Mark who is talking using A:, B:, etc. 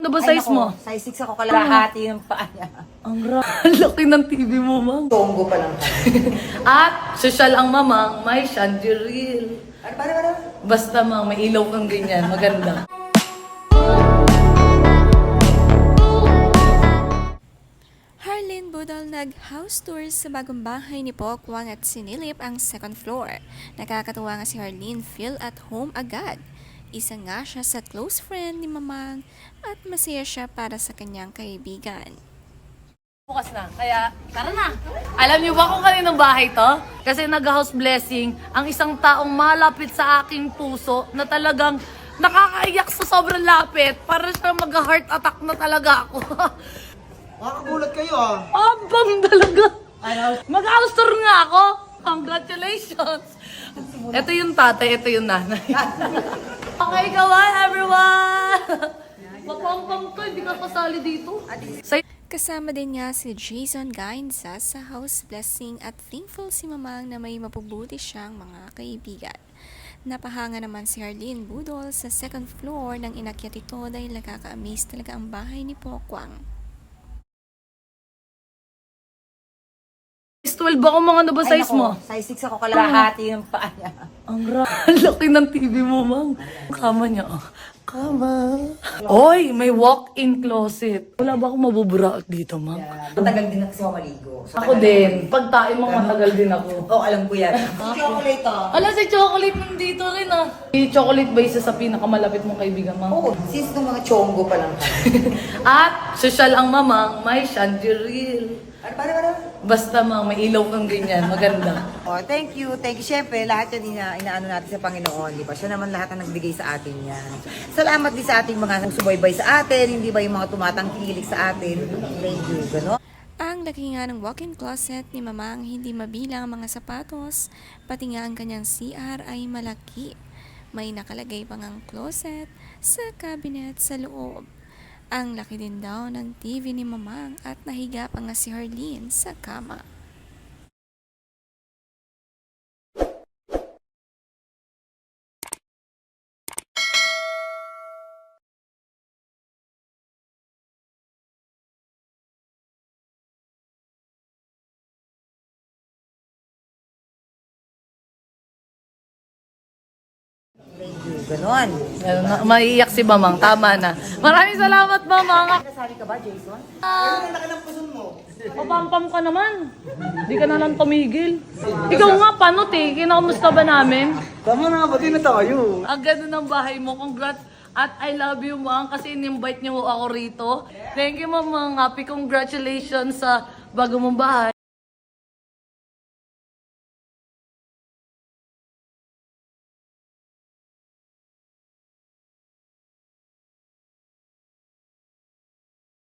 A: Ano ba size mo?
B: Size 6 ako, kalahati ng paa niya.
A: Ang laki ng TV mo, Mang.
B: Tonggo pa lang.
A: At social ang mamang, may chandelier.
B: Ano?
A: Basta Mang, may ilaw kang ganyan. Maganda.
C: Harleen Budol nag-house tour sa bagong bahay ni Pokwang at sinilip ang second floor. Nakakatuwa nga si Harleen, feel at home agad. Isa nga siya sa close friend ni Mamang at masaya siya para sa kanyang kaibigan.
A: Bukas na, kaya tara na. Alam niyo ba kung kaninong bahay to? Kasi nag-house blessing ang isang taong malapit sa aking puso na talagang nakakaiyak sa sobrang lapit. Para siya mag-heart attack na talaga ako.
D: Makakagulat kayo ah.
A: Abang talaga. Mag-house tour nga ako. Congratulations. Ito yung tatay, ito yung nanay. Okay, kawan everyone. Papampam to, hindi ka kasali dito.
C: Kasama din niya si Jason Gainza sa house blessing at thankful si Mamang na may mapubuti siyang mga kaibigan. Napahanga naman si Harleen Budol sa second floor nang inakyat ito dahil nakaka-amaze talaga ang bahay ni Pokwang.
A: Size 12 ako, mga ano ba size mo?
B: Size 6 ako, kalahati ng paa niya.
A: Ang laki ng TV mo, Mang. Kama niya, oh. Kama. Oy, may walk-in closet. Wala ba akong mabubura dito, Mang?
B: Matagal din kasi ako maligo.
A: Ako din. Pag tayo mo, matagal din ako.
B: Alam ko yan. Chocolate ah.
A: Ala, si Chocolate nandito rin, ah. Si Chocolate ba isa sa pinakamalapit mong kaibigan, Mang?
B: Oo, since nung mga chonggo pa lang.
A: At social ang mamang, may chandelier.
B: Ano?
A: Basta Mang, may ilaw kang ganyan. Maganda.
B: Oh, thank you. Siyempre, lahat yan inaano natin sa Panginoon, di ba? Siya naman lahat ang nagbigay sa atin yan. Salamat din sa ating mga subaybay sa atin, hindi ba yung mga tumatangkilik sa atin. Thank you, gano'n.
C: Ang laki nga ng walk-in closet ni Mamang hindi mabilang ang mga sapatos, pati nga ang kanyang CR ay malaki. May nakalagay pang ang closet sa cabinet sa loob. Ang laki din daw ng TV ni Mamang at nahiga pa nga si Harleen sa kama.
B: Thank you, gano'n.
A: Maiiyak si Mamang. Tama na. Maraming salamat, Mamang.
B: Nasali ka ba, Jason?
D: Ang laki ng puson mo.
A: Papampam ka naman. Hindi ka na lang tumigil. Ikaw nga, panot eh. Kinakamusta ba namin?
D: Tama na, pati na tayo.
A: Ang ganda ng bahay mo. Congrats. At I love you, Mang, kasi in-invite niyo ako rito. Thank you, Mamang. Happy congratulations sa bago mong bahay.